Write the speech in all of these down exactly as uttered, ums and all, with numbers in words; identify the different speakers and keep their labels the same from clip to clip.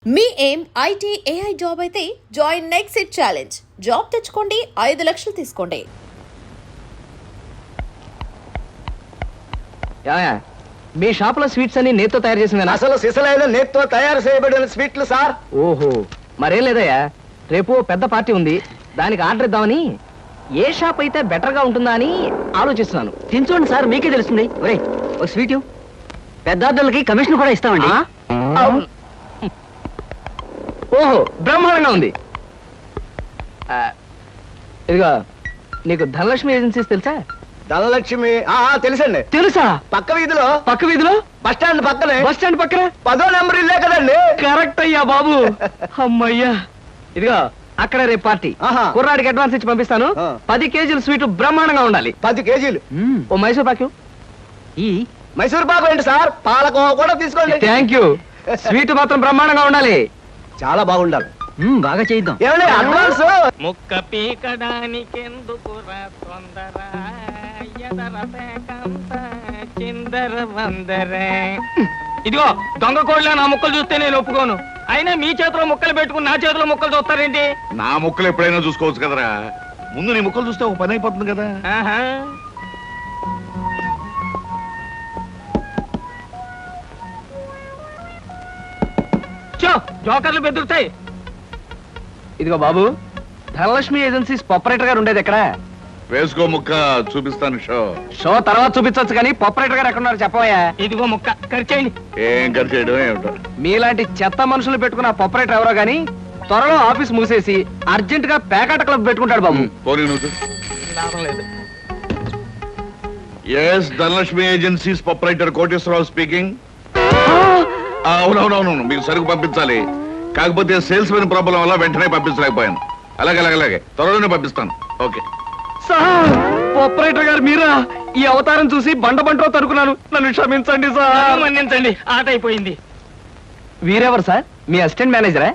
Speaker 1: మీ ఏం IT AI job అయితే join next it challenge. Job తెచ్చుకోండి, ఐదు లక్షలు తీసుకోండి.
Speaker 2: మీ షాప్ లో స్వీట్స్ అన్ని నేతో తయారు చేసింది.
Speaker 3: అసలు సిసలైన నేతో తయారు చేయబడిన స్వీట్లు సార్.
Speaker 2: ఓహో, మరేం లేదయ్యా, రేపు పెద్ద పార్టీ ఉంది, దానికి ఆర్డర్ ఇద్దామని. ఏ షాప్ అయితే బెటర్ గా ఉంటుందా అని ఆలోచిస్తున్నాను. తినచూడండి సార్, మీకే తెలుస్తుంది. ఒరే ఒక స్వీట్ పెద్ద ఆర్డర్లకి కమిషన్ కూడా ఇస్తామండి. ఓహో, బ్రహ్మాండంగా ఉంది. ఇదిగా నీకు ధనలక్ష్మి ఏజెన్సీస్ తెలుసా?
Speaker 3: ధనలక్ష్మి తెలుసండి.
Speaker 2: తెలుసా?
Speaker 3: పక్క వీధిలో
Speaker 2: పక్క వీధిలో
Speaker 3: బస్ స్టాండ్ పక్కనే.
Speaker 2: బస్ స్టాండ్ పక్కన
Speaker 3: పదో నెంబర్ ఇల్లే కదండి.
Speaker 2: కరెక్ట్ అయ్యా బాబు. అమ్మయ్యా, ఇదిగో అక్కడ రేపు పార్టీ. కుర్రాడికి అడ్వాన్స్ ఇచ్చి పంపిస్తాను. పది కేజీలు స్వీట్ బ్రహ్మాండంగా ఉండాలి.
Speaker 3: పది కేజీలు
Speaker 2: ఓ మైసూర్ పాకు. ఈ
Speaker 3: మైసూర్ పాకు ఏంటి సార్, పాలకోవా కూడా తీసుకోండి.
Speaker 2: Thank you. స్వీట్ మాత్రం బ్రహ్మాండంగా ఉండాలి,
Speaker 3: చాలా బాగుండాలి.
Speaker 2: బాగా చేద్దాం.
Speaker 3: ఏమండి అడ్వాన్స్?
Speaker 4: ముక్క పీకడానికెందుకు తొందర, చిందర వందర. ఇదిగో దొంగ కోళ్ళ నా ముక్కలు చూస్తే నేను ఒప్పుకోను. అయినా మీ చేతిలో ముక్కలు పెట్టుకుని నా చేతిలో ముక్కలు చూస్తారేంటి?
Speaker 5: నా ముక్కలు ఎప్పుడైనా చూసుకోవచ్చు కదరా. ముందు నీ ముక్కలు చూస్తే ఒక పని అయిపోతుంది కదా.
Speaker 4: ఆహా, చో జోకర్లు బెదురుతాయి.
Speaker 2: ఇదిగో బాబు, ధనలక్ష్మి ఏజెన్సీస్ ఆపరేటర్ గారు ఉండేది ఎక్కడ?
Speaker 5: వేసుకో ముక్క, చూపిస్తాను షో.
Speaker 2: షో తర్వాత చూపించవచ్చు కానీ ఆపరేటర్ గారు ఎక్కడున్నారు చెప్పవయ్యా.
Speaker 4: ఇదిగో ముక్క ఖర్చేయండి.
Speaker 5: ఏం ఖర్చు చేయడం ఏమిటో.
Speaker 2: మీలాంటి చెత్త మనుషులు పెట్టుకున్న ఆపరేటర్ ఎవరో గానీ త్వరలో ఆఫీస్ మూసేసి అర్జెంట్ గా పేకాట క్లబ్ పెట్టుకుంటాడు బాబు.
Speaker 5: పోనీ నువ్వు.
Speaker 4: లాభం లేదు.
Speaker 5: Yes, Dhanalakshmi agencies proprietor Koteswararao speaking. అవునవునవును, మీకు సరుకు పంపించాలి. కాకపోతే సేల్స్ మెన్ ప్రాబ్లం వల్ల వెంటనే పంపించలేకపోయాను. అలాగే అలాగే అలాగే త్వరలోనే పంపిస్తాను. ఓకే
Speaker 2: సార్, ఆపరేటర్ గారు మీరా? ఈ అవతారం చూసి బండ బంటో తరుకున్నాను, నన్ను క్షమించండి సార్.
Speaker 4: మన్నించండి, ఆట అయిపోయింది.
Speaker 2: వీరెవరు సార్? మీ అసిస్టెంట్ మేనేజరా?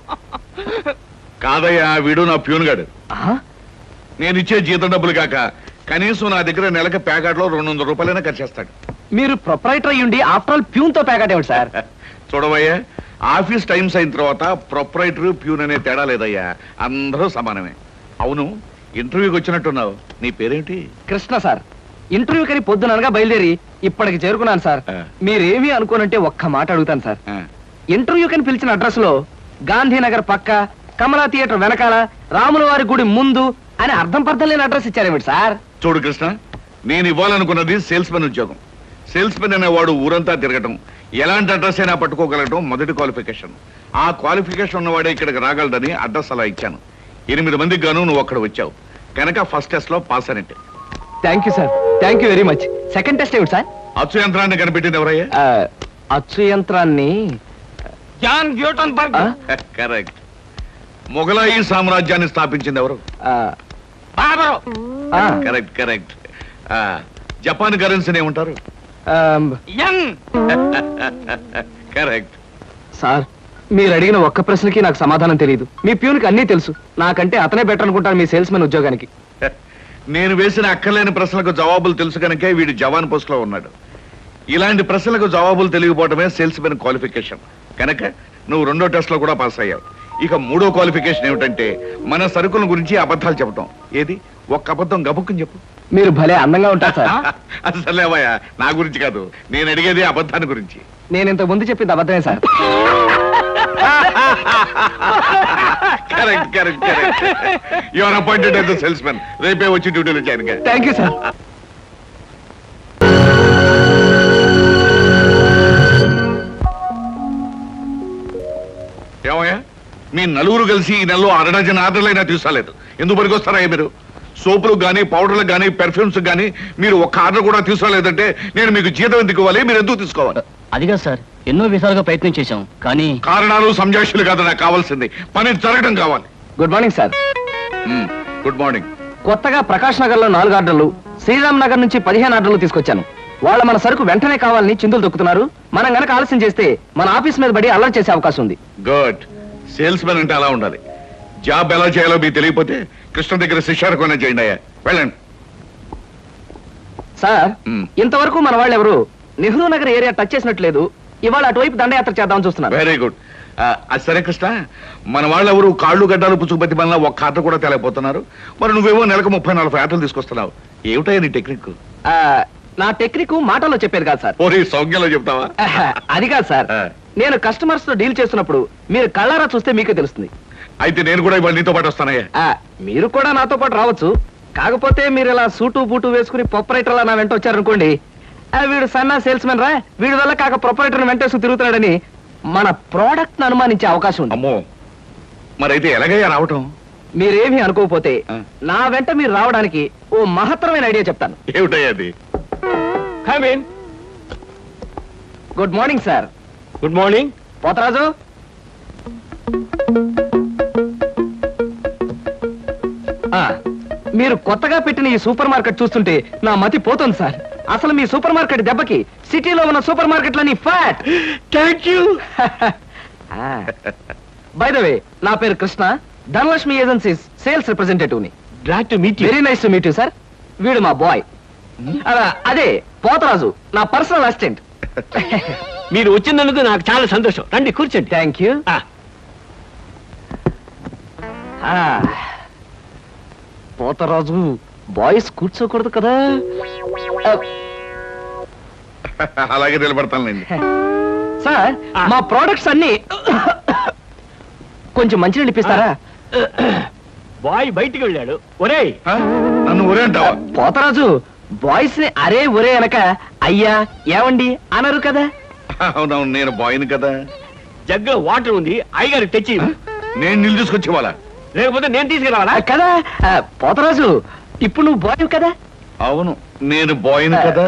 Speaker 5: కాదయ్యా, వీడు నా ప్యూన్ గాడు. నేను ఇచ్చే జీతం డబ్బులు కాక కనీసం నా దగ్గర నెలకి ప్యాకెట్లో రెండు వందల రూపాయలైనా ఖర్చు చేస్తాడు.
Speaker 2: మీరు ప్రొపరైటర్ అయ్యుండి ఆఫ్టర్ ఆల్ ప్యూన్ తో ప్యాకెట్ ఏమిటి సార్?
Speaker 5: చూడవయ్యా, ఆఫీస్ టైమ్స్ అయిన తర్వాత ప్రొపరైటర్ ప్యూన్ అనే తేడా లేదయ్యా, అందరూ సమానమే. అవును, ఇంటర్వ్యూకి వచ్చినట్టున్నావు, నీ పేరేంటి?
Speaker 2: కృష్ణ సార్. ఇంటర్వ్యూ కని పొద్దుననగా బయలుదేరి ఇప్పటికి చేరుకున్నాను సార్. మీరేమీ అనుకోనంటే ఒక్క మాట అడుగుతాను సార్. ఇంటర్వ్యూ కని పిలిచిన అడ్రస్ లో గాంధీనగర్ పక్క, కమలా థియేటర్ వెనకాల, రాముల వారి గుడి ముందు అని అర్థం పర్థం లేని అడ్రస్ ఇచ్చారేమిటి సార్?
Speaker 5: చూడు కృష్ణ, నేను ఇవ్వాలనుకున్నది సేల్స్ మెన్ ఉద్యోగం. సేల్స్ మెన్ అనేవాడు ఊరంతా తిరగటం, ఎలాంటి అడ్రస్ అయినా పట్టుకోగలగటం మొదటి క్వాలిఫికేషన్. ఆ క్వాలిఫికేషన్ ఉన్నవాడే ఇక్కడికి రాగలడని అడ్రస్ అలా ఇచ్చాను. ఎనిమిది మందికి గాను నువ్వు అక్కడ వచ్చావు కనుక ఫస్ట్ టెస్ట్ లో పాస్ అనేట్టు.
Speaker 2: Thank you sir, thank you very much. Second test ఏమిటి సార్?
Speaker 5: అచ్చు యంత్రాన్ని కనిపెట్టింది ఎవరయ్యా?
Speaker 2: అచ్చు యంత్రాన్ని
Speaker 4: జాన్ గ్యూటన్బర్గ్.
Speaker 5: కరెక్ట్. మొఘలాయి సామ్రాజ్యాన్ని స్థాపించింది ఎవరు?
Speaker 4: బాబరు.
Speaker 5: Correct correct. జపాన్ కరెన్సీని ఏమంటారు?
Speaker 4: యన్.
Speaker 5: కరెక్ట్.
Speaker 2: సార్, మీరు అడిగిన ఒక్క ప్రశ్నకి నాకు సమాధానం తెలియదు. మీ ప్యూన్కి అన్నీ తెలుసు. నాకంటే అతనే బెటర్ అనుకుంటాను మీ సేల్స్ మెన్ ఉద్యోగానికి.
Speaker 5: నేను వేసిన అక్కర్లేని ప్రశ్నలకు జవాబులు తెలుసు కనుకే వీడు జవాన్ పోస్ట్ లో ఉన్నాడు. ఇలాంటి ప్రశ్నలకు జవాబులు తెలియకపోవడమే సేల్స్ మెన్ క్వాలిఫికేషన్. కనుక నువ్వు రెండో టెస్ట్ లో కూడా పాస్ అయ్యావు. ఇక మూడో క్వాలిఫికేషన్ ఏమిటంటే మన సరుకుల గురించి అబద్ధాలు చెప్పడం. ఏది, ఒక్క అబద్ధం గబుక్కుని చెప్పు.
Speaker 2: మీరు భలే అందంగా ఉంటారు సార్.
Speaker 5: అసలేవయ్యా, నా గురించి కాదు, నేను అడిగేది అబద్ధాన్ని గురించి.
Speaker 2: నేను ఇంతకు ముందు చెప్పింది అబద్ధమే sir.
Speaker 5: Correct correct correct. You are appointed as the sales men. రేపే వచ్చి డ్యూటీలో జాయిన్ గా.
Speaker 2: Thank you sir.
Speaker 5: ఏమయ్యా, మీ నలుగురు కలిసి ఈ నెలలో అరడజన్ ఆర్డర్లైనా తీసుకోలేదు. ఎందుకు పనికొస్తారా మీరు? సోపులకు కానీ పౌడర్లకు కానీ పెర్ఫ్యూమ్స్ కానీ మీరు ఒక్క ఆర్డర్ కూడా తీసుకోలేదంటే నేను మీకు జీతం ఎందుకు ఇవ్వాలి? మీరు ఎందుకు తీసుకోవాలి?
Speaker 6: అదిగా సార్, ఎన్నో విధాలుగా ప్రయత్నం చేశాం కానీ
Speaker 5: కారణాలు సంజాషులు కాదు నాకు కావాల్సింది, పని జరగడం కావాలి.
Speaker 2: Good morning sir.
Speaker 5: Good morning.
Speaker 2: కొత్తగా ప్రకాష్ నగర్ లో నాలుగు ఆర్డర్లు, శ్రీరామ్ నగర్ నుంచి పదిహేను ఆర్డర్లు తీసుకొచ్చాను. వాళ్ళ మన సరుకు వెంటనే కావాలని చిందులు దొక్కుతున్నారు. మనం గనక ఆలస్యం చేస్తే మన ఆఫీస్ మీద పడి అల్లరి చేసే అవకాశం ఉంది.
Speaker 5: గుడ్. సేల్స్ మెన్ అంటే అలా ఉండాలి. జాబ్ ఎలా చేయాలో మీకు తెలియకపోతే కృష్ణ దగ్గర శిష్యారకమైనా చేయండి అయ్యా. వెళ్ళండి
Speaker 2: సార్. ఇంతవరకు మన వాళ్ళు ఎవరు నెహ్రూ నగర్ ఏరియా టచ్ చేసినట్లేదు. ఇవాళ అటువైపు దండయాత్ర చేద్దామని చూస్తున్నారు.
Speaker 5: Very good. ఆ, అది సరే కృష్ణ, మన వాళ్ళు ఎవరు కాళ్ళు గడ్డాలు పుచ్చుకుపతి వల్ల ఒక్క ఆట కూడా తేలేకపోతున్నారు. మరి నువ్వేమో నెలకు ముప్పై నలభై ఆటలు తీసుకొస్తున్నావు. ఏమిటయ్యా నీ టెక్నిక్?
Speaker 2: ఆ, నా టెక్నిక్ మాటల్లో చెప్పేది కాదు సార్.
Speaker 5: ఓరి సౌజ్ఞలో చెప్తావా?
Speaker 2: ఆహా, అది కాదు సార్.
Speaker 5: ఆ.
Speaker 2: నేను కస్టమర్స్ తో డీల్ చేస్తున్నప్పుడు మీరు కళ్ళారా చూస్తే మీకే తెలుస్తుంది.
Speaker 5: అయితే నేను కూడా ఇవాళ నీతో పాటు వస్తానయ్యా.
Speaker 2: ఆ, మీరు కూడా నాతో పాటు రావచ్చు. కాకపోతే మీరు ఇలా సూటు బూటు వేసుకుని ప్రొపరేటర్లా నా వెంట వచ్చారనుకోండి, ఆ, వీడు సన్నా సేల్స్ మెన్ రా, వీడి వల్ల కాక ప్రొపరేటర్ వెంటేసుకు తిరుగుతున్నాడని మన ప్రోడక్ట్ ను అనుమానించే అవకాశం ఉంది.
Speaker 5: అమ్మో, మరైతే ఎలాగయ్యా రావటం?
Speaker 2: మీరేమీ అనుకోకపోతే
Speaker 5: ఆ.
Speaker 2: నా వెంట మీరు రావడానికి ఓ మహత్తరమైన ఐడియా చెప్తాను.
Speaker 5: ఏమిటయ్యా అది?
Speaker 4: Come in.
Speaker 2: Good morning sir.
Speaker 4: Good morning.
Speaker 2: Potharaju, ఆ, మీరు కొత్తగా పెట్టిన ఈ సూపర్ మార్కెట్ చూస్తుంటే నా మతి పోతుంది సార్. అసలు మీ సూపర్ మార్కెట్ దెబ్బకి సిటీలో ఉన్న సూపర్ మార్కెట్లన్నీ flat.
Speaker 4: Thank you.
Speaker 2: By the way, నా పేరు Krishna, Dhanalakshmi agencies sales representative ని.
Speaker 4: Glad to meet you.
Speaker 2: Very nice to meet you sir. వీడు మా బాయ్. అదే పోతరాజు, నా పర్సనల్ అసిస్టెంట్.
Speaker 4: మీరు వచ్చినందుకు నాకు చాలా సంతోషం. రండి కూర్చోండి.
Speaker 2: Thank you.
Speaker 4: ఆ,
Speaker 2: పోతరాజు, బాయ్స్ కూర్చోకూడదు కదా. ఆ,
Speaker 5: అలాగే నిలబడతానులేండి.
Speaker 2: సార్,
Speaker 4: ఆ.
Speaker 2: మా ప్రోడక్ట్స్ అన్ని కొంచెం మంచినీళ్ళు ఇప్పిస్తారా?
Speaker 4: బాయ్ బయటికి వెళ్ళాడు. ఒరేయ్,
Speaker 5: ఆ? నన్ను ఊరే అంటావా?
Speaker 2: పోతరాజు, బాయ్స్ ని అరే ఒరే అనక అయ్యా ఏమండి అనరు కదా.
Speaker 5: అవునవును, నేను బాయ్ని కదా.
Speaker 4: జగ్గులో వాటర్ ఉంది, అయ్యగారికి తెచ్చి.
Speaker 5: నేను నీళ్ళు తీసుకొచ్చి వాళ్ళ.
Speaker 4: లేకపోతే నేను తీసుకురావాలా?
Speaker 2: ఆ, కదా. ఆ, పోతరాజు, ఇప్పుడు నువ్వు బాయ్ కదా.
Speaker 5: అవును, నేను బాయ్ని కదా.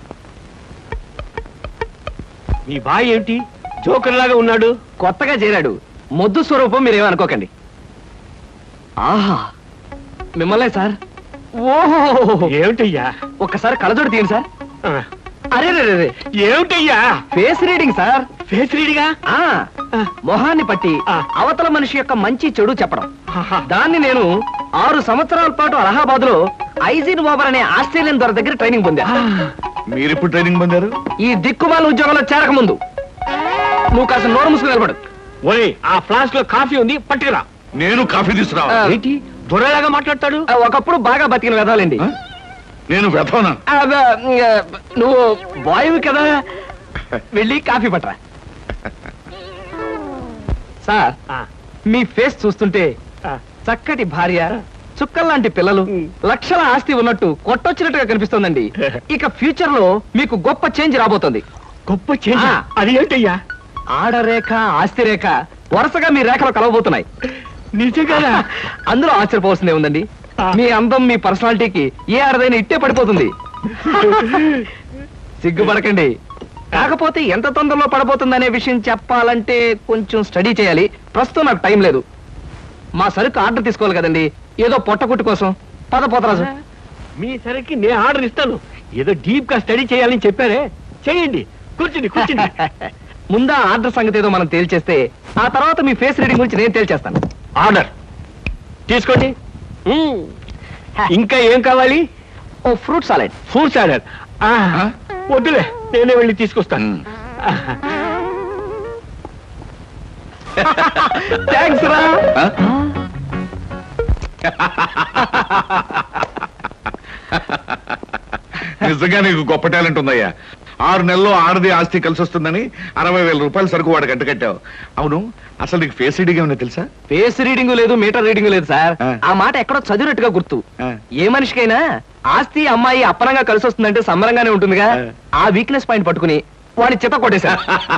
Speaker 4: మీ బాయ్ ఏమిటి జోకర్ లాగా ఉన్నాడు?
Speaker 2: కొత్తగా చేరాడు, మొద్దు స్వరూపం, మీరేమనుకోకండి. ఆహా, మిమ్మల్నే సార్. ఓహో,
Speaker 4: ఏమిటయ్యా?
Speaker 2: ఒక్కసారి కళ్ళజోడు తీయండి సార్.
Speaker 4: ఆ,
Speaker 2: అరే రే రే,
Speaker 4: ఏమిటయ్యా?
Speaker 2: Face reading sir.
Speaker 4: ఫేస్ రీడిగా?
Speaker 2: ఆ మొహాన్ని పట్టి
Speaker 4: ఆ.
Speaker 2: అవతల మనిషి యొక్క మంచి చెడు చెప్పడం.
Speaker 4: ఆహా.
Speaker 2: దాన్ని నేను ఆరు సంవత్సరాల పాటు అలహాబాద్ లో ఐజిన్ ఓవర్ అనే ఆస్ట్రేలియన్ దొర దగ్గర ట్రైనింగ్ పొందా.
Speaker 5: మీరెప్పుడు ట్రైనింగ్ పొందారు?
Speaker 2: ఈ దిక్కుమాల ఉద్యోగంలో చేరక ముందు. నువ్వు కాస్త నోరు మూసుకుని నిలబడు.
Speaker 4: ఒరేయ్, ఆ ఫ్లాస్క్ లో కాఫీ ఉంది, పట్టుకురా.
Speaker 5: నేను కాఫీ తీసుకురావా?
Speaker 2: ఆ.
Speaker 4: ఏంటి దొరలాగా మాట్లాడతాడు?
Speaker 2: ఆ, ఒకప్పుడు బాగా బతికిన వెదాలండి.
Speaker 5: ఆ? నేను వెతవనా?
Speaker 2: ఆ, బ- ఆ, నువ్వు బాయ్వి కదా, వెళ్ళి కాఫీ పట్టరా. సార్,
Speaker 4: ఆ,
Speaker 2: మీ ఫేస్ చూస్తుంటే
Speaker 4: ఆ.
Speaker 2: చక్కటి భార్య, చుక్కల్లాంటి పిల్లలు, లక్షల ఆస్తి ఉన్నట్టు కొట్టొచ్చినట్టుగా కనిపిస్తోందండి. ఇక ఫ్యూచర్ లో మీకు గొప్ప చేంజ్ రాబోతోంది.
Speaker 4: గొప్ప చేంజ్.
Speaker 2: ఆ.
Speaker 4: అది ఏంటయ్యా?
Speaker 2: ఆడరేఖ, ఆస్తి రేఖ వరుసగా మీ రేఖలో కలవబోతున్నాయి.
Speaker 4: నిజంగా?
Speaker 2: అందులో ఆశ్చర్యపోవాల్సిందే ఉందండి.
Speaker 4: ఆ.
Speaker 2: మీ అందం, మీ పర్సనాలిటీకి ఏ ఆడదైనా ఇట్టే పడిపోతుంది. సిగ్గుపడకండి. కాకపోతే ఎంత తొందరలో పడబోతుందనే విషయం చెప్పాలంటే కొంచెం స్టడీ చేయాలి. ప్రస్తుతం నాకు టైం లేదు. మా సరుకు ఆర్డర్ తీసుకోవాలి కదండి, ఏదో పొట్టకుట్టు కోసం. పద పోతరాజు.
Speaker 4: మీ సరికి నేను ఆర్డర్ ఇస్తాను. ఏదో డీప్ గా స్టడీ చేయాలని చెప్పారే, చేయండి. కూర్చుని కూర్చుని.
Speaker 2: ముందా ఆర్డర్ సంగతి ఏదో మనం తేల్చేస్తే ఆ తర్వాత మీ ఫేస్ రీడింగ్ గురించి నేను తేల్చేస్తాను.
Speaker 4: ఆర్డర్ తీసుకోండి. మ్మ్. ఇంకా ఏం కావాలి?
Speaker 2: ఓ ఫ్రూట్ సాలెడ్.
Speaker 4: Fruits order.
Speaker 5: ఆ?
Speaker 4: వద్దులే, నేనే వెళ్ళి తీసుకొస్తాను.
Speaker 5: ఉమ్.
Speaker 2: థ్యాంక్స్ రా.
Speaker 5: ఆ? నిజంగా నీకు గొప్ప టాలెంట్ ఉందయ్యా. ఆరు నెలల్లో ఆడది ఆస్తి కలిసి వస్తుందని అరవై వేల రూపాయల సరుకు వాడు గంట కట్టావు. అవును, అసలు నీకు ఫేస్ రీడింగ్ ఏమన్నా తెలుసా?
Speaker 2: ఫేస్ రీడింగ్ లేదు, మీటర్ రీడింగ్ లేదు సార్.
Speaker 5: ఆ.
Speaker 2: ఆ మాట ఎక్కడో చదివినట్టుగా గుర్తు.
Speaker 5: ఆ.
Speaker 2: ఏ మనిషికైనా ఆస్తి అమ్మాయి అప్పనంగా కలిసి వస్తుందంటే సంబరంగానే ఉంటుందిగా.
Speaker 5: ఆ.
Speaker 2: ఆ వీక్నెస్ పాయింట్ పట్టుకుని వాడి చిత్త కొట్టేశా.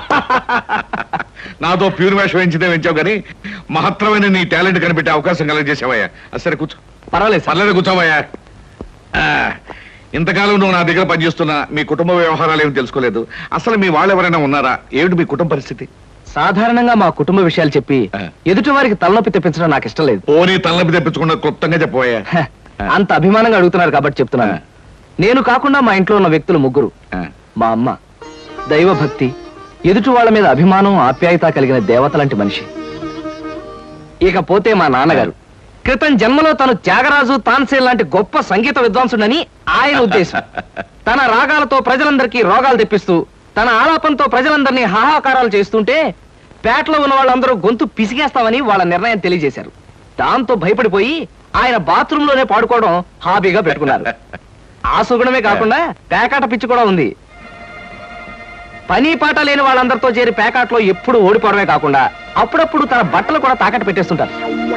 Speaker 5: నాతో ప్యూర్ వేషం వేయించితే వేయించావు కానీ మహత్తరమైన నీ టాలెంట్ కనిపెట్టే అవకాశం కలగజేసావయ్యా. సరే కూర్చో.
Speaker 2: పర్వాలేదు సార్.
Speaker 5: పర్లేదు, కూర్చోవయ్యా. ఆ, ఇంతకాలం నువ్వు నా దగ్గర పనిచేస్తున్నా మీ కుటుంబ వ్యవహారాలు ఏమి తెలుసుకోలేదు. అసలు మీ వాళ్ళు ఎవరైనా ఉన్నారా? ఏమిటి మీ కుటుంబ పరిస్థితి?
Speaker 2: సాధారణంగా మా కుటుంబ విషయాలు చెప్పి
Speaker 5: ఆ.
Speaker 2: ఎదుటి వారికి తలనొప్పి తెప్పించడం నాకు ఇష్టం లేదు.
Speaker 5: పోనీ తలనొప్పి తెప్పించకుండా క్లుప్తంగా చెప్పబోయా.
Speaker 2: హ, అంత అభిమానంగా అడుగుతున్నారు కాబట్టి చెప్తున్నాను.
Speaker 5: ఆ.
Speaker 2: నేను కాకుండా మా ఇంట్లో ఉన్న వ్యక్తులు ముగ్గురు. మా అమ్మ దైవభక్తి, ఎదుటి వాళ్ళ మీద అభిమానం, ఆప్యాయత కలిగిన దేవత లాంటి మనిషి. ఇకపోతే మా నాన్నగారు క్రితం జన్మలో తను త్యాగరాజు, తాన్సేన్ లాంటి గొప్ప సంగీత విద్వాంసుడని ఆయన ఉద్దేశం. తన రాగాలతో ప్రజలందరికీ రోగాలు తెప్పిస్తూ, తన ఆలాపంతో ప్రజలందరినీ హాహాకారాలు చేస్తుంటే పేటలో ఉన్న వాళ్ళందరూ గొంతు పిసిగేస్తామని వాళ్ళ నిర్ణయం తెలియజేశారు. దాంతో భయపడిపోయి ఆయన బాత్రూమ్ లోనే పాడుకోవడం హాబీగా పెట్టుకున్నారు. ఆ సుగుణమే కాకుండా పేకాట పిచ్చి కూడా ఉంది. పని పాట లేని వాళ్ళందరితో చేరి పేకాట్లో ఎప్పుడు ఓడిపోవడమే కాకుండా అప్పుడప్పుడు తన బట్టలు కూడా తాకట్టు పెట్టేస్తుంటారు.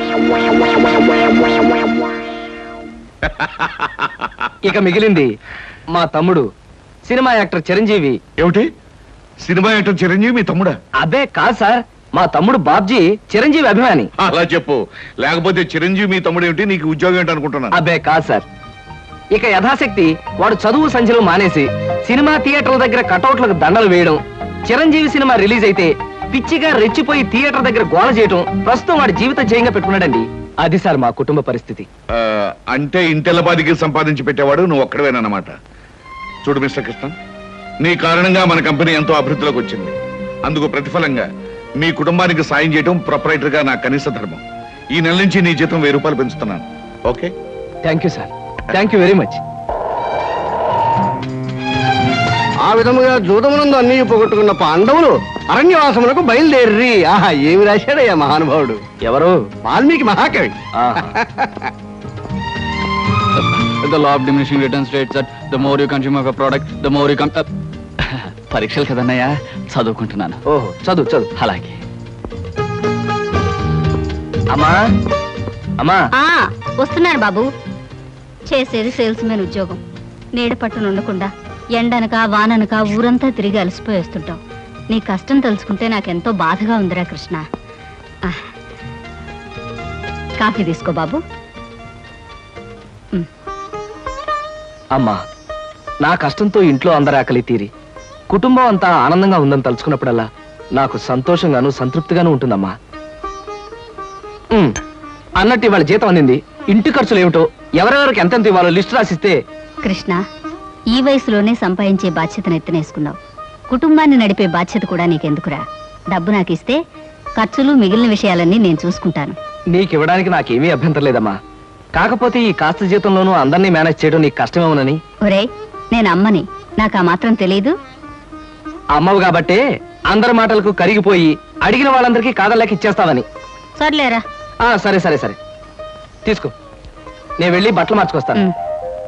Speaker 2: ఇక మిగిలింది మా తమ్ముడు సినిమా యాక్టర్ చిరంజీవి.
Speaker 5: ఏమిటి సినిమా యాక్టర్ చిరంజీవి మీ తమ్ముడా?
Speaker 2: అబ్బే కాదు సార్, మా తమ్ముడు బాబ్జీ చిరంజీవి అభిమాని.
Speaker 5: అలా చెప్పు, లేకపోతే చిరంజీవి మీ తమ్ముడు ఏమిటి, నీకు ఉద్యోగం ఏంటి అనుకుంటున్నాను.
Speaker 2: అబ్బే కాదు సార్, ఇక యథాశక్తి వాడు చదువు సంధ్యలు మానేసి సినిమా థియేటర్ల దగ్గర కటౌట్లకు దండలు వేయడం, చిరంజీవి సినిమా రిలీజ్ అయితే పిచ్చిగా రెచ్చిపోయి థియేటర్ దగ్గర గోల చేయడం ప్రస్తుతం వాడి జీవిత జయంగా పెట్టుకున్నాడండి. అది సార్ మా కుటుంబ పరిస్థితి.
Speaker 5: ఆ, అంటే ఇంటెల్లబాదికి సంపాదించి పెట్టేవాడు నువ్వు ఒక్కడవేనన్నమాట. చూడు మిస్టర్ కృష్ణ, నీ కారణంగా మన కంపెనీ ఎంతో అభివృద్ధిలోకి వచ్చింది. అందుకు ప్రతిఫలంగా మీ కుటుంబానికి సాయం చేయడం ప్రొపరైటర్ గా నా కనీస ధర్మం. ఈ నెల నుంచి నీ జీతం వెయ్యి రూపాయలు పెంచుతున్నాను. Okay?
Speaker 2: Thank you sir, thank you very much.
Speaker 3: ఆ విధముగా జూదమునందు అన్ని పోగొట్టుకున్న పాండవులు అరణ్యవాసములకు బయలుదేరి. ఆహా, ఏమి రాశాడయ్యా మహానుభావుడు.
Speaker 2: ఎవరు?
Speaker 3: వాల్మీకి మహాకవి.
Speaker 6: The law of diminishing returns states that the more you consume of a product, the more you con- uh, పరీక్షలు కదన్నయ్యా, చదువుకుంటున్నాను.
Speaker 2: ఓహో, చదువు చదువు.
Speaker 6: అలాగే.
Speaker 2: అమ్మా అమ్మా
Speaker 7: ఆ వస్తున్నాను బాబు. చేసేది సేల్స్ మెన్ ఉద్యోగం. నీడ పట్టున ఉండకుండా ఎండనక వాననక ఊరంతా తిరిగి అలసిపోయి వస్తుంటావు. నీ కష్టం తలుచుకుంటే నాకెంతో బాధగా ఉందిరా కృష్ణ. ఆ, కాఫీ తీసుకో బాబు.
Speaker 2: అమ్మా, నా కష్టంతో ఇంట్లో అందరి ఆకలి తీరి కుటుంబం అంతా ఆనందంగా ఉందని తలుచుకున్నప్పుడల్లా నాకు సంతోషంగాను సంతృప్తిగాను ఉంటుందమ్మా. ఉమ్, అన్నట్టు ఇవాళ జీతం అందింది. ఇంటి ఖర్చులు ఏమిటో, ఎవరెవరికి ఎంతెంత ఇవ్వాలో లిస్టు రాసిస్తే.
Speaker 7: కృష్ణ, ఈ వయసులోనే సంపాదించే బాధ్యతను ఎత్తనేసుకున్నావు. కుటుంబాన్ని నడిపే బాధ్యత కూడా నీకెందుకురా? డబ్బు నాకు ఇస్తే ఖర్చులు మిగిలిన విషయాలన్నీ నేను చూసుకుంటాను.
Speaker 2: నీకివ్వడానికి నాకేమీ అభ్యంతరం లేదమ్మా. కాకపోతే ఈ కాస్త జీతంలోనూ అందరినీ మేనేజ్ చేయడం నీకు కష్టమేమోనని.
Speaker 7: ఒరే, నేను అమ్మని, నాకు ఆ మాత్రం తెలీదు.
Speaker 2: అమ్మవు కాబట్టే అందరి మాటలకు కరిగిపోయి అడిగిన వాళ్ళందరికీ కాదలేక ఇచ్చేస్తావని.
Speaker 7: సర్లేరా.
Speaker 2: ఆ సరే సరే సరే తీసుకో, నేను వెళ్ళి బట్టలు మార్చుకొస్తాను.
Speaker 7: ఉమ్.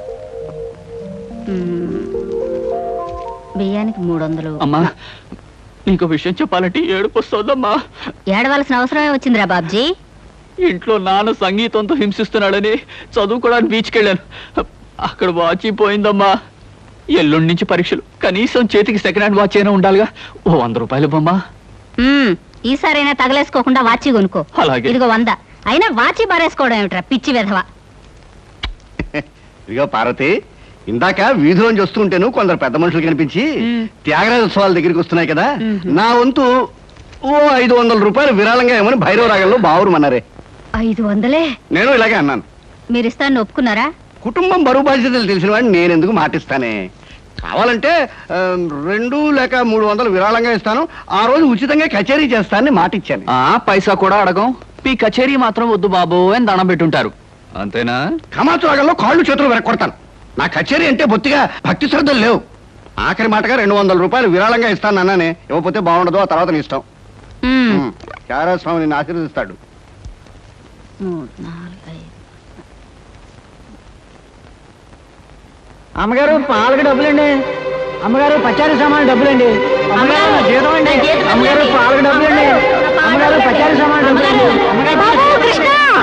Speaker 7: ఉమ్. బియ్యానికి మూడు వందలు.
Speaker 6: అమ్మా, నీకు విషయం చెప్పాలంటే ఏడుపు వస్తుందమ్మా.
Speaker 7: ఏడవలసిన అవసరమే వచ్చిందిరా బాబ్జీ.
Speaker 6: ఇంట్లో నాన్న సంగీతంతో హింసిస్తున్నాడని చదువుకోవడానికి బీచ్కి వెళ్ళాను. అక్కడ వాచ్ పోయిందమ్మా. ఎల్లుండి నుంచి పరీక్షలు, కనీసం చేతికి సెకండ్ హ్యాండ్ వాచ్ అయినా ఉండాలిగా. ఓ వంద రూపాయలు బొమ్మా.
Speaker 7: ఉమ్, ఈసారైనా తగలేసుకోకుండా వాచి కొనుక్కో.
Speaker 6: అలాగే.
Speaker 7: ఇదిగో వంద. అయినా వాచి బారేసుకోవడం ఏమిట్రా పిచ్చి వెధవ.
Speaker 3: ఇదిగో పార్వతి, ఇందాక వీధిలోంచి వస్తుంటేను కొందరు పెద్ద మనుషులు కనిపించి
Speaker 7: మ్.
Speaker 3: త్యాగరాజోత్సవాల దగ్గరికి వస్తున్నాయి కదా,
Speaker 7: మ్మ్.
Speaker 3: నా వంతు ఓ ఐదు వందల రూపాయలు విరాళంగా ఏమని భైరవ రాగంలో బావురుమన్నారే.
Speaker 7: ఐదు వందలే
Speaker 3: నేను ఇలాగే అన్నాను.
Speaker 7: మీరు ఇస్తాను ఒప్పుకున్నారా?
Speaker 3: కుటుంబం బరువు బాధ్యతలు తెలిసిన వాడిని నేను ఎందుకు మాటిస్తానే. కావాలంటే ఆ, రెండు లేక మూడు వందలు విరాళంగా ఇస్తాను, ఆ రోజు ఉచితంగా కచేరీ చేస్తానని మాటిచ్చాను.
Speaker 6: ఆ పైసా కూడా అడగం. మీ కచేరీ మాత్రం వద్దు బాబు అని దండం పెట్టుంటారు. అంతేనా?
Speaker 3: కమాతు రాగంలో కాళ్ళు చేతులు వెరక్కొడతాను. నా కచేరీ అంటే బొత్తిగా భక్తి శ్రద్ధలు లేవు. ఆఖరి మాటగా రెండు వందల రూపాయలు విరాళంగా ఇస్తాను అన్నానే. ఇవ్వకపోతే బాగుండదు, ఆ తర్వాత నీ ఇష్టం.
Speaker 7: ఉమ్.
Speaker 3: త్యాగరాజ స్వామి నిన్ను ఆశీర్వదిస్తాడు.
Speaker 7: మూడు, నాలుగు, ఐదు.
Speaker 8: అమ్మగారు పాలకు డబ్బులండి. అమ్మగారు పచారీ సామాన్ డబ్బులండి. అమ్మగారు నా జీతం అండి. అమ్మగారు పాలకు డబ్బులండి. అమ్మగారు పచారీ సామాన్ డబ్బులండి.
Speaker 7: బాబు, కృష్ణ!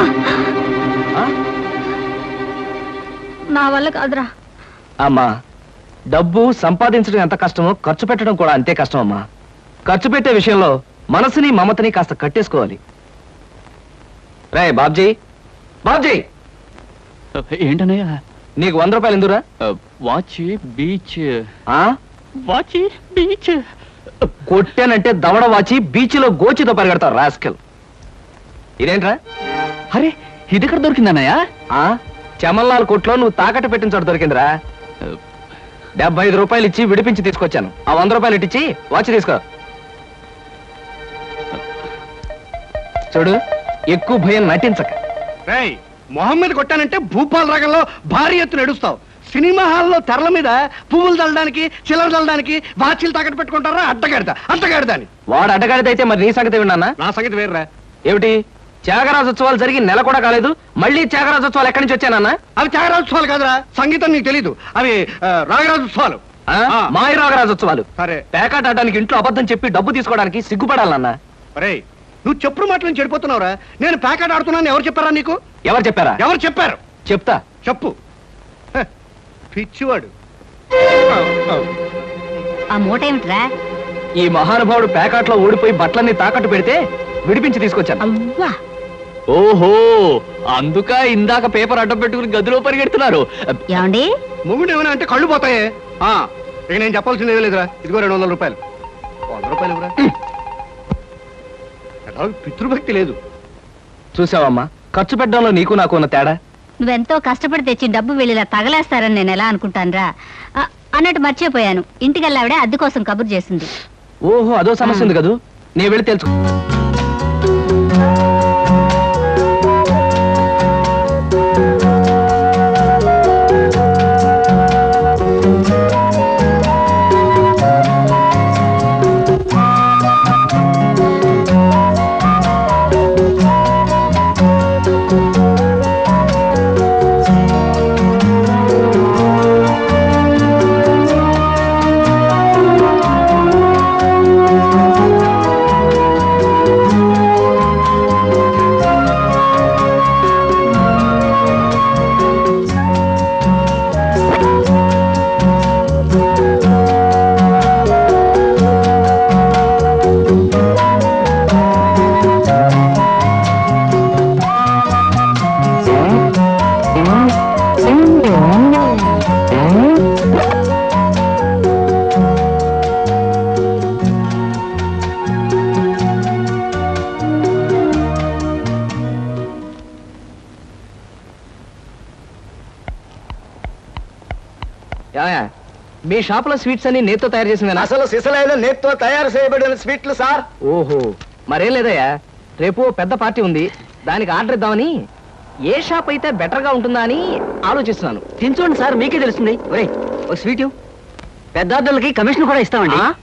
Speaker 7: నా వల్ల కాదురా.
Speaker 2: అమ్మా, డబ్బు సంపాదించడం ఎంత కష్టమో ఖర్చు పెట్టడం కూడా అంతే కష్టం అమ్మా. ఖర్చు పెట్టే విషయంలో మనసుని మమతని కాస్త కట్టేసుకోవాలి. రే బాబ్జీ, బాబ్జీ,
Speaker 6: ఏంటన్నయ్య?
Speaker 2: నీకు వంద రూపాయలు ఎందురా?
Speaker 6: Watch beach.
Speaker 2: ఆ?
Speaker 6: Watch beach.
Speaker 2: కొట్టానంటే దవడ వాచి బీచ్లో గోచితో పరిగెడతావు రాస్కెల్. ఇదేంట్రా?
Speaker 6: అరే, ఇది ఎక్కడ దొరికిందన్నయ్య?
Speaker 2: ఆ చమల్లాల్ కొట్లో నువ్వు తాకట్టు పెట్టిన చోట దొరికిందిరా. డెబ్బై ఐదు రూపాయలు ఇచ్చి విడిపించి తీసుకొచ్చాను. ఆ వంద రూపాయలు ఇట్టించి వాచ్ తీసుకో. చూడు, ఎక్కువ భయం నటించక.
Speaker 3: రేయ్, మొహం మీద కొట్టానంటే భూపాల్ రాగంలో భారీ ఎత్తున ఎడుస్తావు. సినిమా హాల్లో తెరల మీద పువ్వులు చల్లడానికి చిల్లర చల్లడానికి వాచీలు తాకట్టు పెట్టుకుంటారా అడ్డగాడిద అడ్డగాడిద అని.
Speaker 2: వాడు అడ్డగాడిదైతే మరి నీ సంగతి విన్నానా?
Speaker 3: నా సంగతి వేర్రా.
Speaker 2: ఏమిటి త్యాగరాజోత్సవాలు జరిగి నెల కూడా కాలేదు, మళ్ళీ త్యాగరాజోత్సవాలు ఎక్కడి నుంచి వచ్చానన్నా?
Speaker 3: అవి త్యాగరాజోత్సవాలు కాదురా, సంగీతం నీకు తెలీదు, అవి ఆ, రాగరాజోత్సవాలు.
Speaker 2: ఆ?
Speaker 3: ఆ.
Speaker 2: మాయ రాగరాజోత్సవాలు.
Speaker 3: సరే
Speaker 2: పేకాట ఆడడానికి ఇంట్లో అబద్ధం చెప్పి డబ్బు తీసుకోవడానికి సిగ్గుపడాలన్నా.
Speaker 3: రే, నువ్వు చెప్పుడు మాటలు నుంచి చెడిపోతున్నావురా. నేను ప్యాకెట్ ఆడుతున్నాను ఎవరు చెప్పారా నీకు?
Speaker 2: ఎవరు చెప్పారా?
Speaker 3: ఎవరు చెప్పారు?
Speaker 2: చెప్తా.
Speaker 3: చెప్పు. హ, పిచ్చివాడు.
Speaker 7: ఆ మూట ఏమిట్రా?
Speaker 2: ఈ మహానుభావుడు పేకాట్లో ఓడిపోయి బట్టలన్నీ తాకట్టు పెడితే విడిపించి తీసుకొచ్చాను.
Speaker 7: అవ్వా,
Speaker 6: ఓహో, అందుక ఇందాక పేపర్ అడ్డం పెట్టుకుని గదిలో పరిగెడుతున్నారు.
Speaker 7: ఏమండి?
Speaker 3: మొగుడు ఏమైనా అంటే కళ్ళు పోతాయే. ఆ, ఇక నేను చెప్పాల్సింది ఏమీ లేదురా. ఇదిగో రెండు వందల రూపాయలు. వంద రూపాయలు ఇవ్వరా. ఎలా పితృభక్తి లేదు.
Speaker 2: చూసావమ్మా, ఖర్చు పెట్టడంలో నీకు నాకు ఉన్న తేడా.
Speaker 7: నువ్వెంతో కష్టపడి తెచ్చి డబ్బు వెళ్ళిలా తగలేస్తారని నేను ఎలా అనుకుంటానురా? ఆ, అన్నట్టు మర్చిపోయాను, ఇంటికెళ్ళావిడే అద్దె కోసం కబురు చేసింది.
Speaker 2: ఓహో, అదో సమస్య ఉంది కదూ, నేను వెళ్ళి తెలుసు. ఏమయ్య, మీ షాప్ లో స్వీట్స్ అన్ని నేతో తయారు చేసిందేనా?
Speaker 3: అసలు సిసలైన నేత్తో తయారు చేయబడిన స్వీట్లు సార్.
Speaker 2: ఓహో, మరేం లేదయ్యా, రేపు పెద్ద పార్టీ ఉంది, దానికి ఆర్డర్ ఇద్దామని. ఏ షాప్ అయితే బెటర్ గా ఉంటుందా అని ఆలోచిస్తున్నాను.
Speaker 8: తినచూడండి సార్, మీకే తెలుస్తుంది. ఒరే, ఒక స్వీట్ పెద్దార్థులకి కమిషన్ కూడా ఇస్తామండి.
Speaker 2: ఆ?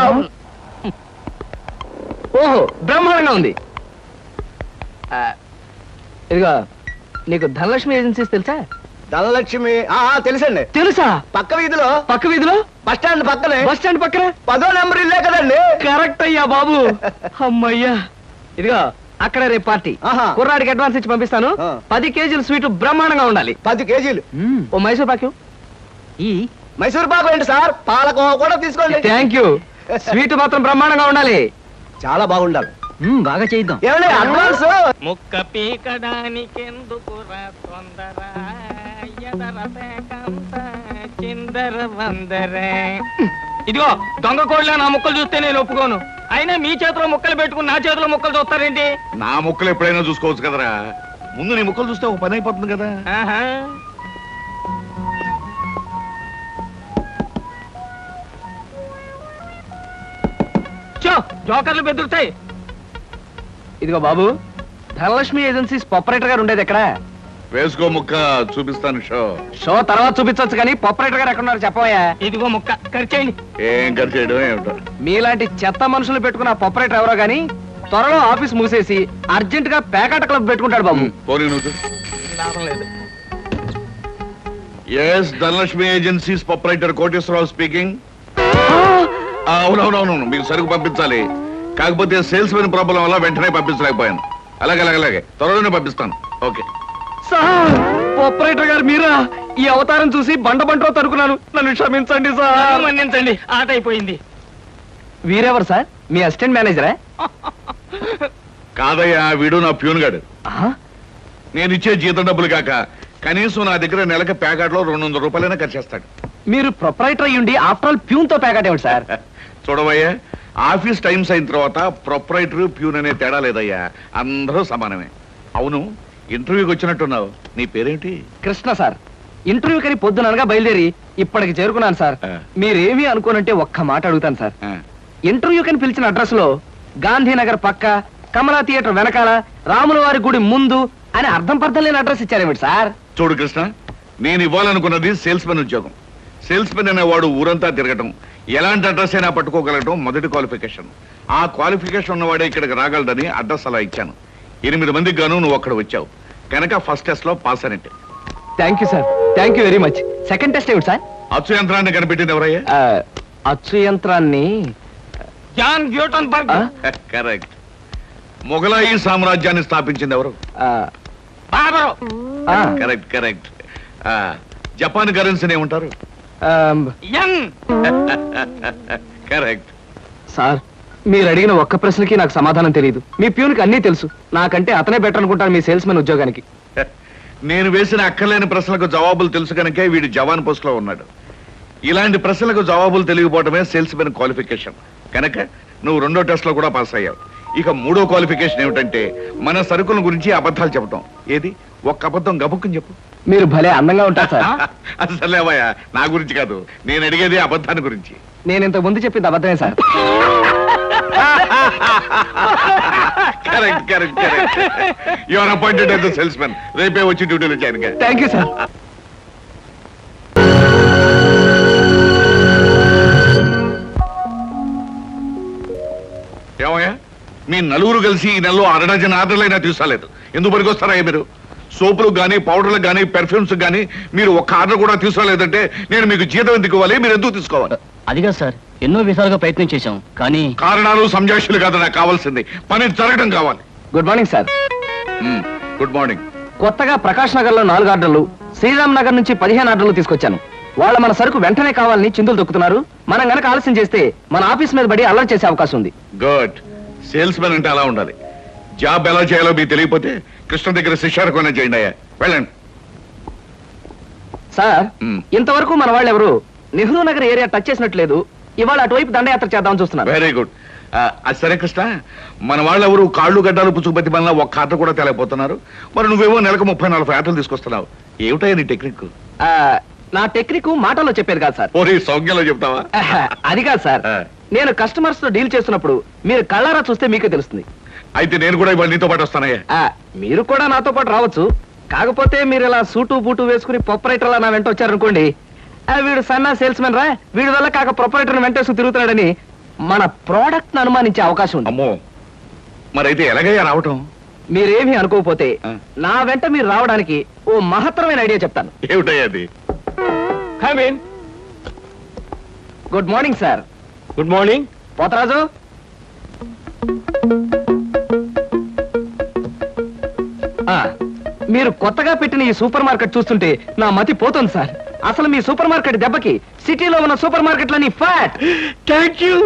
Speaker 2: ఓహో, బ్రహ్మాండంగా ఉంది. ఆ, ఇదిగో, నీకు ధనలక్ష్మి ఏజెన్సీస్ తెలుసా?
Speaker 3: ధనలక్ష్మి తెలుసండి.
Speaker 2: తెలుసా?
Speaker 3: పక్క వీధిలో
Speaker 2: పక్క వీధిలో
Speaker 3: బస్ స్టాండ్ పక్కనే.
Speaker 2: బస్ స్టాండ్ పక్కన
Speaker 3: పదో నెంబర్ ఇల్లే కదండి.
Speaker 2: కరెక్ట్ అయ్యా బాబు. అమ్మయ్యా, ఇదిగో అక్కడ రేపు పార్టీ.
Speaker 3: ఆహా.
Speaker 2: కుర్రాడికి అడ్వాన్స్ ఇచ్చి పంపిస్తాను.
Speaker 3: ఆ.
Speaker 2: పది కేజీలు స్వీట్ బ్రహ్మాండంగా ఉండాలి.
Speaker 3: పది కేజీలు
Speaker 2: ఓ మైసూర్ పాకు.
Speaker 8: ఈ
Speaker 3: మైసూర్ పాకు ఏంటి సార్, పాలకోవా కూడా తీసుకోండి.
Speaker 2: Thank you. స్వీట్ మాత్రం బ్రహ్మాండంగా ఉండాలి.
Speaker 3: చాలా బాగుండాలి.
Speaker 8: మ్మ్, బాగా చేద్దాం.
Speaker 3: ఏమండి అడ్వాన్స్?
Speaker 4: ముక్క పీకడానికెందుకురా తొందర, ఎదర పేకంత చిందర వందరే. ఇదిగో దొంగ కోళ్ళ నా ముక్కలు చూస్తే నేను ఒప్పుకోను. అయినా మీ చేతిలో ముక్కలు పెట్టుకుని నా చేతిలో ముక్కలు చూస్తారేంటి?
Speaker 5: నా ముక్కలు ఎప్పుడైనా చూసుకోవచ్చు కదరా. ముందు నీ ముక్కలు చూస్తే ఒక పని అయిపోతుంది కదా.
Speaker 4: ఆహా. చో, జోకర్లు బెదురుతాయి.
Speaker 2: ఇదిగో బాబు, ధనలక్ష్మి ఏజెన్సీస్ ఆపరేటర్ గారు ఉండేది ఎక్కడ?
Speaker 5: వేసుకో ముక్క చూపిస్తాను షో.
Speaker 2: షో తర్వాత చూపించవచ్చు కానీ ఆపరేటర్ గారు ఎక్కడున్నారు చెప్పవయ్యా.
Speaker 4: ఇదిగో ముక్క ఖర్చేయండి.
Speaker 5: ఏం ఖర్చు చేయడం ఏమిటో.
Speaker 2: మీలాంటి చెత్త మనుషులు పెట్టుకున్న ఆపరేటర్ ఎవరో గానీ త్వరలో ఆఫీస్ మూసేసి అర్జెంట్ గా పేకాట క్లబ్ పెట్టుకుంటాడు బాబు.
Speaker 5: పోనీ నువ్వు.
Speaker 4: లాభం లేదు.
Speaker 5: Yes, Dhanalakshmi agencies proprietor Koteswararao speaking. అవునవునవును, మీకు సరుకు పంపించాలి. కాకపోతే సేల్స్ మెన్ ప్రాబ్లం వల్ల వెంటనే పంపించలేకపోయాను. అలాగే అలాగే అలాగే త్వరలోనే పంపిస్తాను. ఓకే
Speaker 2: సార్, ఆపరేటర్ గారు మీరా? ఈ అవతారం చూసి బండ బంటో తరుకున్నాను, నన్ను క్షమించండి సార్.
Speaker 4: మన్నించండి, ఆట అయిపోయింది.
Speaker 2: వీరెవరు సార్? మీ అసిస్టెంట్ మేనేజరా?
Speaker 5: కాదయ్యా, వీడు నా ప్యూన్ గాడు.
Speaker 2: ఆహా.
Speaker 5: నేను ఇచ్చే జీతం డబ్బులు కాక కనీసం నా దగ్గర నెలకి ప్యాకెట్లో రెండు వందల రూపాయలైనా ఖర్చు చేస్తాడు.
Speaker 2: మీరు ప్రొపరైటర్ అయ్యుండి ఆఫ్టర్ ఆల్ ప్యూన్ తో ప్యాకెట్ ఏమిటి సార్?
Speaker 5: చూడవయ్యా, ఆఫీస్ టైమ్స్ అయిన తర్వాత ప్రొపరైటర్ ప్యూన్ అనే తేడా లేదయ్యా, అందరూ సమానమే. అవును, ఇంటర్వ్యూకి వచ్చినట్టున్నావు, నీ పేరేంటి?
Speaker 2: కృష్ణ సార్. ఇంటర్వ్యూ కని పొద్దుననగా బయలుదేరి ఇప్పటికి చేరుకున్నాను సార్.
Speaker 5: ఆ.
Speaker 2: మీరేమీ అనుకోనంటే ఒక్క మాట అడుగుతాను సార్.
Speaker 5: ఆ,
Speaker 2: ఇంటర్వ్యూ కని పిలిచిన అడ్రస్ లో గాంధీనగర్ పక్క, కమలా థియేటర్ వెనకాల, రాముల వారి గుడి ముందు అని అర్థం పర్థం లేని అడ్రస్ ఇచ్చారేమిటి సార్?
Speaker 5: చూడు కృష్ణ, నేను ఇవ్వాలనుకున్నది సేల్స్ మెన్ ఉద్యోగం. సేల్స్ మెన్ అనేవాడు ఊరంతా తిరగటం, ఎలాంటి అడ్రస్ అయినా పట్టుకోగలగటం మొదటి క్వాలిఫికేషన్. ఆ క్వాలిఫికేషన్ ఉన్నవాడే ఇక్కడికి రాగలడని అడ్రస్ అలా ఇచ్చాను. ఎనిమిది మందికి గాను నువ్వు అక్కడ వచ్చావు కనుక ఫస్ట్ టెస్ట్ లో పాస్ అనేట్టు.
Speaker 2: Thank you sir, thank you very much. Second test ఏమిటి సార్?
Speaker 5: అచ్చు యంత్రాన్ని కనిపెట్టింది ఎవరయ్యా?
Speaker 2: ఆ, అచ్చు యంత్రాన్ని
Speaker 4: జాన్ న్యూటన్ బర్గ్.
Speaker 2: ఆ?
Speaker 5: కరెక్ట్. మొఘలాయి సామ్రాజ్యాన్ని స్థాపించింది ఎవరు?
Speaker 2: ఆ,
Speaker 4: బాబరు.
Speaker 2: ఆ,
Speaker 5: కరెక్ట్ కరెక్ట్. ఆ, జపాన్ కరెన్సీని ఏమంటారు?
Speaker 2: ఆమ్,
Speaker 4: యన్.
Speaker 5: కరెక్ట్.
Speaker 2: సార్ మీరు అడిగిన ఒక్క ప్రశ్నకి నాకు సమాధానం తెలియదు. మీ ప్యూన్కి అన్నీ తెలుసు. నాకంటే అతనే బెటర్ అనుకుంటాను మీ సేల్స్ మెన్ ఉద్యోగానికి.
Speaker 5: నేను వేసిన అక్కర్లేని ప్రశ్నలకు జవాబులు తెలుసు కనుకే వీడు జవాన్ పోస్ట్ లో ఉన్నాడు. ఇలాంటి ప్రశ్నలకు జవాబులు తెలియకపోవడమే సేల్స్ మెన్ క్వాలిఫికేషన్ కనుక నువ్వు రెండో టెస్ట్ లో కూడా పాస్ అయ్యావు. ఇక మూడో క్వాలిఫికేషన్ ఏమిటంటే మన సరుకుల గురించి అబద్ధాలు చెప్పడం. ఏది ఒక్క అబద్ధం గబుక్కుని చెప్పు.
Speaker 2: మీరు భలే అందంగా ఉంటారు సార్.
Speaker 5: అసలేవయ్యా, నా గురించి కాదు, నేను అడిగేది అబద్ధాన్ని గురించి.
Speaker 2: నేను ఇంతకు ముందు చెప్పింది అబద్ధమే sir.
Speaker 5: Correct correct correct. You are appointed as the sales men. రేపే వచ్చి డ్యూటీలో జాయిన్ గా.
Speaker 2: Thank you sir.
Speaker 5: ఏమయ్యా, మీ నలుగురు కలిసి ఈ నెలలో అరడజన్ ఆర్డర్లైనా తీసుకోలేదు. ఎందుకు పనికొస్తారయ్యా మీరు? సోపులకు కానీ పౌడర్లకు కానీ పెర్ఫ్యూమ్స్ కానీ మీరు ఒక్క ఆర్డర్ కూడా తీసుకోలేదంటే నేను మీకు జీతం ఎందుకు ఇవ్వాలి? మీరు ఎందుకు తీసుకోవాలి?
Speaker 6: అదిగా సార్, ఎన్నో విధాలుగా ప్రయత్నం చేశాం కానీ
Speaker 5: కారణాలు సంజాషులు కాదు నాకు కావాల్సింది, పని జరగడం కావాలి.
Speaker 2: Good morning sir.
Speaker 5: Good morning.
Speaker 2: కొత్తగా ప్రకాష్ నగర్ లో నాలుగు ఆర్డర్లు, శ్రీరామ్ నగర్ నుంచి పదిహేను ఆర్డర్లు తీసుకొచ్చాను. వాళ్ళ మన సరుకు వెంటనే కావాలని చిందులు దొక్కుతున్నారు. మనం గనక ఆలస్యం చేస్తే మన ఆఫీస్ మీద పడి అల్లరి చేసే అవకాశం ఉంది.
Speaker 5: గుడ్. సేల్స్ మెన్ అంటే అలా ఉండాలి. జాబ్ ఎలా చేయాలో మీకు తెలియకపోతే కృష్ణ దగ్గర శిష్యారకమైనా చేయండి అయ్యా. వెళ్ళండి.
Speaker 2: సార్
Speaker 5: మ్మ్.
Speaker 2: ఇంతవరకు మన వాళ్ళు ఎవరు నెహ్రూ నగర్ ఏరియా టచ్ చేసినట్లేదు. ఇవాళ అటువైపు దండయాత్ర చేద్దామని చూస్తున్నారు.
Speaker 5: Very good. అది సరే కృష్ణ, మన వాళ్ళు ఎవరు కాళ్ళు గడ్డాలు పుచ్చుకుపతి వల్ల ఒక్క ఆట కూడా తేలేకపోతున్నారు. మరి నువ్వేమో నెలకు ముప్పై నలభై ఆటలు తీసుకొస్తున్నావు. ఏమిటయ్యా నీ టెక్నిక్?
Speaker 2: ఆ, నా టెక్నిక్ మాటల్లో చెప్పేది కాదు సార్.
Speaker 5: ఓరి సౌజ్ఞలో చెప్తావా?
Speaker 2: ఆహా, అది కాదు సార్.
Speaker 5: ఆ.
Speaker 2: నేను కస్టమర్స్ తో డీల్ చేస్తున్నప్పుడు మీరు కళ్ళారా చూస్తే మీకే తెలుస్తుంది.
Speaker 5: అయితే నేను కూడా ఇవాళ నీతో పాటు వస్తానయ్యా.
Speaker 2: ఆ, మీరు కూడా నాతో పాటు రావచ్చు. కాకపోతే మీరు ఇలా సూటు బూటు వేసుకుని ప్రొపరేటర్ నా వెంట వచ్చారనుకోండి, ఆ, వీడు సన్నా సేల్స్ మెన్ రా, వీడి వల్ల కాక ప్రొపరేటర్ వెంటేసుకు తిరుగుతున్నాడని మన ప్రోడక్ట్ ను అనుమానించే అవకాశం ఉంది.
Speaker 5: అమ్మో, మరైతే ఎలాగయ్యా రావటం?
Speaker 2: మీరేమీ అనుకోకపోతే
Speaker 5: ఆ.
Speaker 2: నా వెంట మీరు రావడానికి ఓ మహత్తరమైన ఐడియా చెప్తాను.
Speaker 5: ఏమిటయ్యా అది?
Speaker 4: Come in.
Speaker 2: Good morning sir.
Speaker 4: Good morning.
Speaker 2: Potharaju, ఆ, మీరు కొత్తగా పెట్టిన ఈ సూపర్ మార్కెట్ చూస్తుంటే నా మతి పోతుంది సార్. అసలు మీ సూపర్ మార్కెట్ దెబ్బకి సిటీలో ఉన్న సూపర్ మార్కెట్లన్నీ flat.
Speaker 4: Thank you.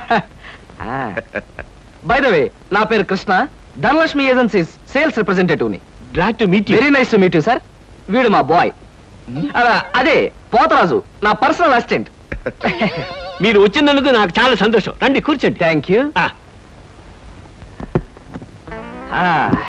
Speaker 2: By the way, నా పేరు Krishna, Dhanalakshmi agencies sales representative ని.
Speaker 4: Glad to meet you.
Speaker 2: Very nice to meet you sir. వీడు మా బాయ్. అదే పోతరాజు, నా పర్సనల్ అసిస్టెంట్.
Speaker 4: మీరు వచ్చినందుకు నాకు చాలా సంతోషం. రండి కూర్చోండి.
Speaker 2: Thank you.
Speaker 4: ఆ.